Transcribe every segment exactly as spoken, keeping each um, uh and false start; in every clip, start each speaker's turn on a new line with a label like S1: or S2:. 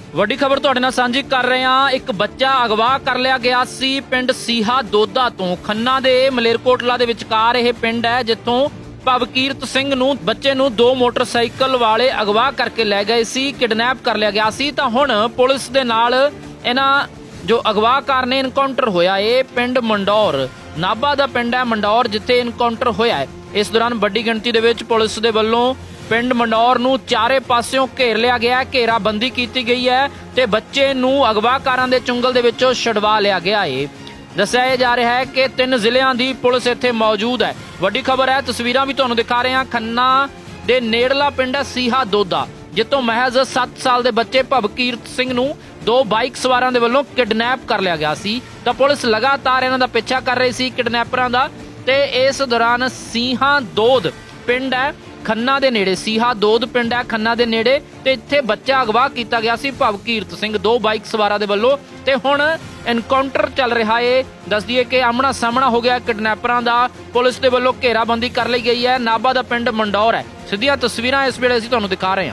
S1: ਵੱਡੀ ਖਬਰ ਤੁਹਾਡੇ ਨਾਲ ਸਾਂਝੀ ਕਰ ਰਹੇ ਹਾਂ। ਇੱਕ ਬੱਚਾ ਅਗਵਾ ਕਰ ਲਿਆ ਗਿਆ ਸੀ ਪਿੰਡ ਸੀਹਾ ਦੋਦਾ ਤੋਂ। ਖੰਨਾ ਦੇ ਮਲੇਰਕੋਟਲਾ ਦੇ ਵਿਚਕਾਰ ਇਹ ਪਿੰਡ ਹੈ ਜਿੱਥੋਂ ਭਵਕੀਰਤ ਸਿੰਘ ਨੂੰ ਬੱਚੇ ਨੂੰ ਦੋ ਮੋਟਰਸਾਈਕਲ ਵਾਲੇ ਅਗਵਾ ਕਰਕੇ ਲੈ ਗਏ ਸੀ, ਕਿਡਨੈਪ ਕਰ ਲਿਆ ਗਿਆ ਸੀ। ਤਾਂ ਹੁਣ ਪੁਲਿਸ ਦੇ ਨਾਲ ਇਹਨਾਂ ਜੋ ਅਗਵਾਕਾਰ ਨੇ ਇਨਕਾਊਂਟਰ ਹੋਇਆ। ਇਹ ਪਿੰਡ ਮੰਡੌਰ ਨਾਭਾ ਦਾ ਪਿੰਡ ਹੈ ਮੰਡੌਰ, ਜਿੱਥੇ ਇਨਕਾਊਂਟਰ ਹੋਇਆ ਹੈ। ਇਸ ਦੌਰਾਨ ਵੱਡੀ ਗਿਣਤੀ ਦੇ ਵਿੱਚ ਪੁਲਿਸ ਦੇ ਵੱਲੋਂ ਪਿੰਡ ਮੰਡੌਰ ਨੂੰ ਚਾਰੇ ਪਾਸਿਓਂ ਘੇਰ ਲਿਆ ਗਿਆ, ਘੇਰਾਬੰਦੀ ਕੀਤੀ ਗਈ ਹੈ ਤੇ ਬੱਚੇ ਨੂੰ ਅਗਵਾਕਾਰਾਂ ਦੇ ਚੁੰਗਲ ਦੇ ਵਿੱਚੋਂ ਛਡਵਾ ਲਿਆ ਗਿਆ ਹੈ। ਦੱਸਿਆ ਜਾ ਰਿਹਾ ਹੈ ਕਿ ਤਿੰਨ ਜ਼ਿਲ੍ਹਿਆਂ ਦੀ ਪੁਲਿਸ ਇੱਥੇ ਮੌਜੂਦ ਹੈ। ਵੱਡੀ ਖਬਰ ਹੈ, ਤਸਵੀਰਾਂ ਵੀ ਤੁਹਾਨੂੰ ਦਿਖਾ ਰਹੇ ਹਾਂ। ਖੰਨਾ ਦੇ ਨੇੜਲਾ ਪਿੰਡ ਹੈ ਸੀਹਾ ਦੋਦਾ, ਜਿੱਥੋਂ ਮਹਿਜ਼ ਸੱਤ ਸਾਲ ਦੇ ਬੱਚੇ ਭਵਕੀਰਤ ਸਿੰਘ ਨੂੰ ਦੋ ਬਾਈਕ ਸਵਾਰਾਂ ਦੇ ਵੱਲੋਂ ਕਿਡਨੈਪ ਕਰ ਲਿਆ ਗਿਆ ਸੀ। ਤਾਂ ਪੁਲਿਸ ਲਗਾਤਾਰ ਇਹਨਾਂ ਦਾ ਪਿੱਛਾ ਕਰ ਰਹੀ ਸੀ ਕਿਡਨੈਪਰਾਂ ਦਾ। ਤੇ ਇਸ ਦੌਰਾਨ ਸੀਹਾ ਦੋਦ ਪਿੰਡ ਹੈ ਖੰਨਾ ਦੇ ਨੇੜੇ, ਸੀਹਾ ਦੋਦ ਪਿੰਡ ਹੈ ਖੰਨਾ ਦੇ ਨੇੜੇ, ਤੇ ਇੱਥੇ ਬੱਚਾ ਅਗਵਾ ਕੀਤਾ ਗਿਆ ਸੀ ਭਵਕੀਰਤ ਸਿੰਘ ਦੋ ਬਾਈਕ ਸਵਾਰਾਂ ਦੇ ਵੱਲੋਂ। ਤੇ ਹੁਣ ਐਨਕਾਊਂਟਰ ਚੱਲ ਰਿਹਾ ਏ। ਦੱਸ ਦਈਏ ਕਿ ਆਮਣਾ ਸਾਹਮਣਾ ਹੋ ਗਿਆ ਕਿਡਨੈਪਰਾਂ ਦਾ। ਪੁਲਿਸ ਦੇ ਵੱਲੋਂ ਘੇਰਾਬੰਦੀ ਕਰ ਲਈ ਗਈ ਹੈ। ਨਾਭਾ ਦਾ ਪਿੰਡ ਮੰਡੌਰ ਹੈ। ਸਿੱਧੀਆਂ ਤਸਵੀਰਾਂ ਇਸ ਵੇਲੇ ਅਸੀਂ ਤੁਹਾਨੂੰ ਦਿਖਾ ਰਹੇ ਹਾਂ।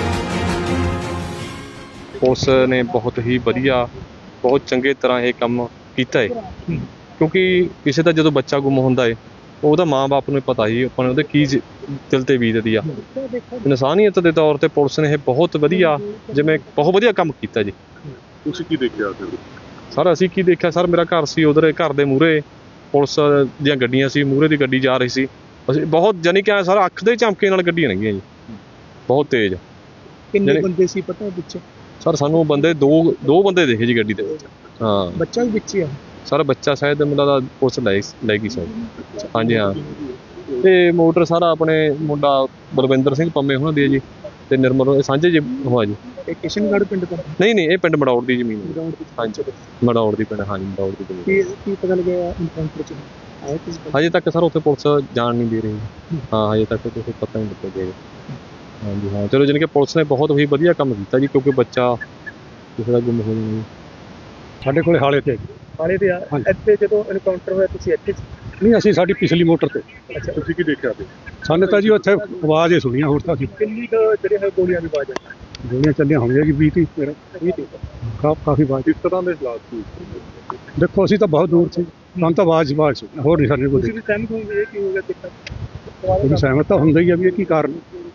S2: ਪੁਲਿਸ ਨੇ ਬਹੁਤ ਹੀ ਵਧੀਆ, ਬਹੁਤ ਚੰਗੇ ਤਰ੍ਹਾਂ ਇਹ ਕੰਮ ਕੀਤਾ ਹੈ, ਕਿਉਂਕਿ ਕਿਸੇ ਦਾ ਜਦੋਂ ਬੱਚਾ ਗੁੰਮ ਹੁੰਦਾ ਹੈ ਉਹਦਾ ਮਾਂ-ਬਾਪ ਨੂੰ ਪਤਾ ਹੀ ਆਪਾਂ ਨੂੰ ਉਹਦੇ ਕੀ ਦਿਲ ਤੇ ਬੀਤਦੀ ਆ। ਇਨਸਾਨੀਅਤ ਦੇ ਤੌਰ ਤੇ ਪੁਲਿਸ ਨੇ ਇਹ ਬਹੁਤ ਵਧੀਆ, ਜਿਵੇਂ ਬਹੁਤ ਵਧੀਆ ਕੰਮ ਕੀਤਾ ਜੀ।
S3: ਤੁਸੀਂ ਕੀ ਦੇਖਿਆ
S2: ਸਰ? ਅਸੀਂ ਕੀ ਦੇਖਿਆ ਸਰ, ਮੇਰਾ ਘਰ ਸੀ ਉਧਰ, ਘਰ ਦੇ ਮੂਹਰੇ ਪੁਲਿਸ ਦੀਆਂ ਗੱਡੀਆਂ ਸੀ, ਮੂਹਰੇ ਦੀ ਗੱਡੀ ਜਾ ਰਹੀ ਸੀ। ਅਸੀਂ ਬਹੁਤ ਜਾਨੀ ਕਿ ਸਰ ਅੱਖ ਦੇ ਝਮਕੇ ਨਾਲ ਗੱਡੀਆਂ ਲੰਘੀਆਂ ਜੀ, ਬਹੁਤ ਤੇਜ਼।
S4: ਕਿੰਨੇ ਬੰਦੇ ਸੀ ਪਤਾ ਵਿੱਚ?
S2: ਸਰ ਸਾਨੂੰ ਬੰਦੇ ਦੋ ਦੋ ਬੰਦੇ ਦੇਖੇ ਜੀ ਗੱਡੀ ਦੇ ਵਿੱਚ। ਹਾਂ,
S4: ਬੱਚਾ ਵੀ ਵਿੱਚ ਹੀ ਆ
S2: ਸਰ? ਬੱਚਾ ਸ਼ਾਇਦ ਮੁੰਡਾ ਦਾ ਪੁਲਿਸ ਲੈ ਲੈ ਗਈ ਸਰ। ਹਾਂਜੀ ਹਾਂ। ਤੇ ਮੋਟਰ ਸਾਰਾ ਆਪਣੇ ਮੁੰਡਾ ਬਲਵਿੰਦਰ ਸਿੰਘ ਪੰਮੇ ਹੋਣਾ ਦੀ ਹੈ ਜੀ, ਤੇ ਨਿਰਮਲ ਸਾਂਝੇ ਜੀ ਹੋਆ ਜੀ।
S4: ਇਹ ਕਿਸ਼ਨਗੜ੍ਹ ਪਿੰਡ ਤੋਂ?
S2: ਨਹੀਂ ਨਹੀਂ, ਇਹ ਪਿੰਡ ਮੜੌੜ ਦੀ ਜ਼ਮੀਨ ਹੈ। ਹਾਂਜੀ, ਮੜੌੜ ਦੀ ਪਿੰਡ। ਹਾਂਜੀ, ਮੜੌੜ ਦੀ ਜ਼ਮੀਨ।
S4: ਕੀ ਕੀ ਪਤਾ ਲੱਗਿਆ ਇਨਕਾਊਂਟਰ ਚ ਆਇਆ ਕਿਸ?
S2: ਹਜੇ ਤੱਕ ਸਰ ਉੱਥੇ ਪੁਲਿਸ ਜਾਣ ਨਹੀਂ ਦੇ ਰਹੀ। ਹਾਂ, ਹਜੇ ਤੱਕ ਕੁਛ ਪਤਾ ਨਹੀਂ ਲੱਗਿਆ ਜੀ। ਹਾਂਜੀ ਹਾਂ, ਚਲੋ ਜਾਣੀ ਕਿ ਪੁਲਿਸ ਨੇ ਬਹੁਤ ਹੀ ਵਧੀਆ ਕੰਮ ਕੀਤਾ ਜੀ, ਕਿਉਂਕਿ ਬੱਚਾ ਕਿਸੇ ਦਾ ਗੁੰਮ ਹੋ ਜਾਣਾ ਜੀ।
S5: ਸਾਡੇ ਕੋਲੇ ਹਾਲੇ ਤੇ
S4: ਹਾਲੇ ਤੇ ਆ। ਇੱਥੇ ਜਦੋਂ ਇਨਕਾਊਂਟਰ ਹੋਇਆ ਤੁਸੀਂ ਇੱਥੇ?
S5: ਨਹੀਂ, ਅਸੀਂ ਸਾਡੀ ਪਿਛਲੀ ਮੋਟਰ ਤੇ।
S4: ਅੱਛਾ,
S3: ਤੁਸੀਂ ਕੀ ਦੇਖਿਆ ਤੇ?
S5: ਸਾਨੂੰ ਤਾਂ ਜੀ ਉੱਥੇ ਆਵਾਜ਼ ਹੀ ਸੁਣੀਆਂ। ਹੋਰ ਤਾਂ ਅਸੀਂ
S4: ਕਿੰਨੀ ਕੁ ਜਿਹੜੇ ਹੈ ਗੋਲੀਆਂ ਦੀ ਆਵਾਜ਼ ਆਈ?
S5: ਗੋਲੀਆਂ ਚੱਲੀਆਂ ਹੋਣਗੀਆਂ ਜੀ ਵੀਹ ਤੀਹ ਮੇਰਾ ਕਾ ਕਾਫੀ ਆਵਾਜ਼।
S3: ਕਿਸ ਤਰ੍ਹਾਂ ਦੇ ਹਾਲਾਤ ਸੀ?
S5: ਦੇਖੋ ਅਸੀਂ ਤਾਂ ਬਹੁਤ ਦੂਰ ਸੀ, ਸਾਨੂੰ ਤਾਂ ਆਵਾਜ਼ ਆਵਾਜ਼ ਸੁਣੀ, ਹੋਰ ਨਹੀਂ ਸਾਡੇ ਕੋਲ।
S4: ਤੁਸੀਂ ਵੀ ਸਹਿਮਤ ਹੋਗੇ ਇਹ ਕੀ ਹੋ ਗਿਆ ਦੇਖਾ?
S5: ਕੋਈ ਸਹਿਮਤ ਤਾਂ ਹੁੰਦਾ ਹੀ ਆ ਵੀ ਇਹ ਕੀ ਕਾਰਨ।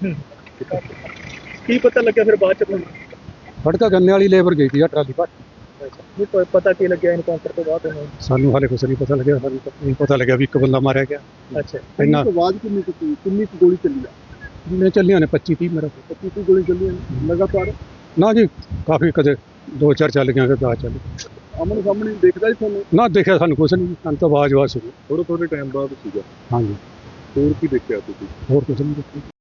S4: ਕੀ ਪਤਾ ਲੱਗਿਆ ਫਿਰ ਬਾਅਦ ਚ ਤੁਹਾਨੂੰ?
S5: ਸਾਡੇ ਤਾਂ ਗੰਨੇ ਵਾਲੀ ਲੇਬਰ ਗਈ ਸੀ ਆ ਟਰਾਲੀ ਭਰ।
S4: ਨਹੀਂ ਕੋਈ ਪਤਾ ਕੀ ਲੱਗਿਆ ਇਨਕਾਊਂਟਰ ਤੋਂ ਬਾਅਦ ਉਹਨੂੰ?
S5: ਸਾਨੂੰ ਹਾਲੇ ਕੁਛ ਨਹੀਂ ਪਤਾ ਲੱਗਿਆ। ਸਾਨੂੰ ਤਾਂ ਨਹੀਂ ਪਤਾ ਲੱਗਿਆ ਵੀ ਇੱਕ ਬੰਦਾ ਮਾਰਿਆ ਗਿਆ।
S4: ਅੱਛਾ,
S5: ਇੰਨਾ
S4: ਆਵਾਜ਼ ਕਿੰਨੀ ਕੁ ਸੀ? ਕਿੰਨੀ ਕੁ ਗੋਲੀ ਚੱਲੀ ਆ?
S5: ਨੇ ਚੱਲੀਆਂ ਨੇ ਪੱਚੀ ਤੀਹ ਮੇਰਾ।
S4: ਪੱਚੀ ਤੀਹ ਗੋਲੀ ਚੱਲੀਆਂ ਲਗਾਤਾਰ?
S5: ਨਾ ਜੀ, ਕਾਫੀ ਕਦੇ ਦੋ ਚਾਰ ਚੱਲ ਗਈਆਂ, ਕਦੇ ਦਸ ਚੱਲ ਗਈਆਂ।
S4: ਆਮਣੇ ਸਾਹਮਣੇ ਦੇਖਦਾ ਜੀ ਤੁਹਾਨੂੰ?
S5: ਨਾ ਦੇਖਿਆ ਸਾਨੂੰ ਕੁਛ ਨਹੀਂ, ਸਾਨੂੰ ਤਾਂ ਆਵਾਜ਼ ਆਵਾਜ਼ ਸੁਣੀ।
S3: ਥੋੜੇ ਥੋੜੇ ਟਾਈਮ ਬਾਅਦ ਸੀਗਾ।
S5: ਹਾਂਜੀ,
S3: ਹੋਰ ਕੀ ਦੇਖਿਆ ਤੁਸੀਂ?
S5: ਹੋਰ ਕੁਛ ਨਹੀਂ ਦੇਖਿਆ।